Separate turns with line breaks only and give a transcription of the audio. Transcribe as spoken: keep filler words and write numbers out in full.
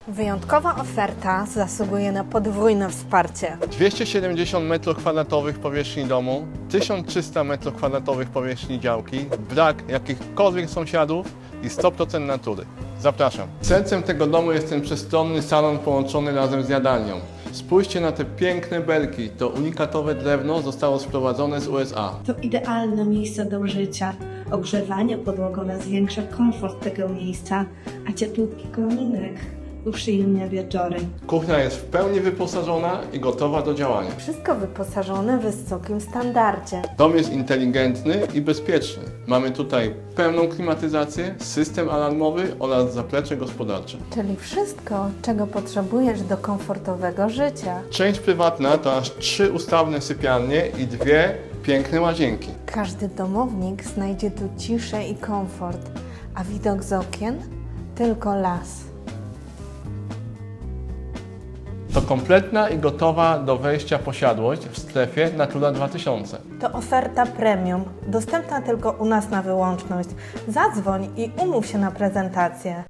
Wyjątkowa oferta zasługuje na podwójne wsparcie.
dwieście siedemdziesiąt metrów kwadratowych powierzchni domu, tysiąc trzysta metrów kwadratowych powierzchni działki, brak jakichkolwiek sąsiadów i sto procent natury. Zapraszam. Sercem tego domu jest ten przestronny salon połączony razem z jadalnią. Spójrzcie na te piękne belki. To unikatowe drewno zostało sprowadzone z U S A.
To idealne miejsce do życia. Ogrzewanie podłogowe zwiększa komfort tego miejsca, a cieplutki kominek uprzyjemnia wieczory.
Kuchnia jest w pełni wyposażona i gotowa do działania.
Wszystko wyposażone w wysokim standardzie.
Dom jest inteligentny i bezpieczny. Mamy tutaj pełną klimatyzację, system alarmowy oraz zaplecze gospodarcze.
Czyli wszystko, czego potrzebujesz do komfortowego życia.
Część prywatna to aż trzy ustawne sypialnie i dwie piękne łazienki.
Każdy domownik znajdzie tu ciszę i komfort, a widok z okien tylko las.
To kompletna i gotowa do wejścia posiadłość w strefie Natura dwa tysiące.
To oferta premium, dostępna tylko u nas na wyłączność. Zadzwoń i umów się na prezentację.